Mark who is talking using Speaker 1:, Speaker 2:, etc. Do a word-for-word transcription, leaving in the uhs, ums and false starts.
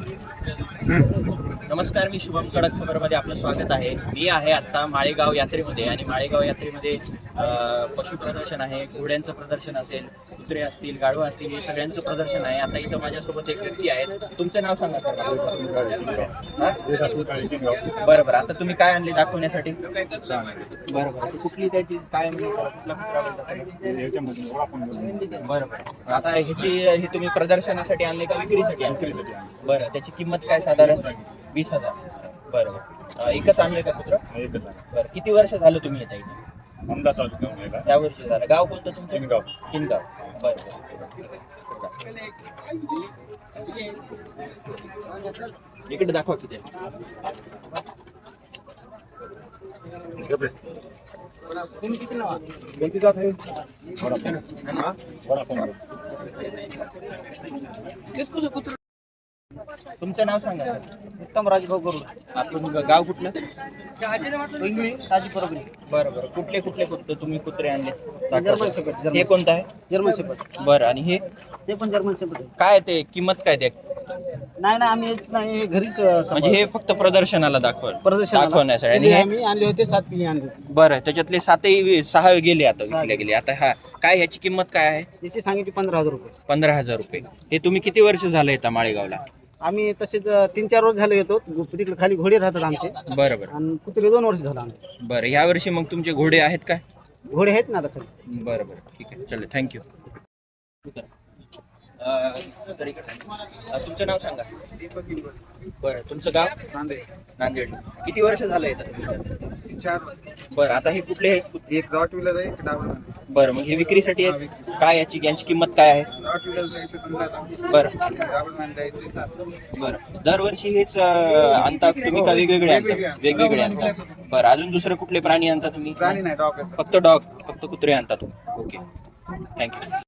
Speaker 1: नमस्कार, मी शुभम कडक खबरमध्ये आपलं स्वागत आहे. मी आहे आता माळेगाव यात्रेमध्ये आणि माळेगाव यात्रेमध्ये पशु प्रदर्शन आहे, घोड्यांचं प्रदर्शन असेल, कुत्रे असतील, गाढवा असतील, हे सगळ्यांचं प्रदर्शन आहे. आता इथं माझ्यासोबत एक व्यक्ती आहे. तुमचं नाव सांगा सर. बरं बरं. आता तुम्ही काय आणले दाखवण्यासाठी? बरं बरं. कुठली त्याची काय बरं बरं. आता ह्याची हे तुम्ही प्रदर्शनासाठी आणले का विक्रीसाठी? विक्रीसाठी. बरं, त्याची किंमत काय साधारण? वीस हजार. बरं बरं. एकच आणले का कुत्र?
Speaker 2: एकच आहे.
Speaker 1: बरं, किती वर्ष झालं तुम्ही येता इथे?
Speaker 2: अंदाज चालू घेऊन
Speaker 1: त्या वर्षी झालं. गाव कोणतं तुमचं?
Speaker 2: किनगाव.
Speaker 1: किनगाव. बरं बरं. इकडे दाखवा किती.
Speaker 2: कोणती जात आहे?
Speaker 1: तुमचं नाव सांगा.
Speaker 3: उत्तम राजभाऊ करू.
Speaker 1: आपलं गाव कुठलं?
Speaker 3: इंगळी ताजी परबरी.
Speaker 1: बरं बरं. कुठले कुठले कुत्रे तुम्ही कुत्रे आणले?
Speaker 3: German shepherd.
Speaker 1: हे कोणतं आहे?
Speaker 3: German shepherd.
Speaker 1: बरं. आणि हे
Speaker 3: ते पण जर्मन शेपर्ड आहे.
Speaker 1: काय ते किंमत काय ते?
Speaker 3: नाही ना, आम्ही हेच नाही, हे घरीच
Speaker 1: म्हणजे हे फक्त प्रदर्शनाला दाखव दाखवण्यासाठी. आणि हे
Speaker 3: आम्ही आणले होते, सात पिढी आणले होते.
Speaker 1: बरं, त्याच्यातले सातही सहा गेले आता विकले गेले. आता हा काय ह्याची किंमत काय आहे?
Speaker 3: याची सांगितली पंधरा हजार रुपये.
Speaker 1: पंधरा हजार रुपये. हे तुम्ही किती वर्ष झालं येता माळेगावला?
Speaker 3: आम्ही तसेच तीन चार वर्ष झाले येतो. तिकडे खाली घोडे राहतात आमचे.
Speaker 1: बरं बरं.
Speaker 3: आणि कुत्रे दोन वर्ष झालं आमचे.
Speaker 1: बरं, ह्या वर्षी मग तुमचे घोडे आहेत काय?
Speaker 3: घोडे आहेत ना आता खाली.
Speaker 1: बरं बरं, ठीक आहे. चल, थँक्यू. तुमचं नाव सांगा. बरं, तुमचं गाव?
Speaker 3: नांदेड.
Speaker 1: नांदेड. किती वर्ष झालं येतं?
Speaker 3: चार.
Speaker 1: बरं, आता हे कुठले आहेत?
Speaker 3: एक डॉट व्हीलर आहे, एक डावर.
Speaker 1: बरं, मग हे विक्रीसाठी आहेत काय? याची यांची किंमत काय आहे?
Speaker 3: डॉट व्हीलर द्यायचं पंधरा.
Speaker 1: बरं
Speaker 3: डावर द्यायचे सात.
Speaker 1: बरं. दरवर्षी हेच अं, आणता तुम्ही का वेगवेगळे आणता? वेगवेगळे आणता. बरं, अजून दुसरे कुठले प्राणी आणता तुम्ही?
Speaker 3: गाणी नाही, डॉग.
Speaker 1: फक्त डॉग, फक्त कुत्रे आणता तुम्ही? Okay, thank you.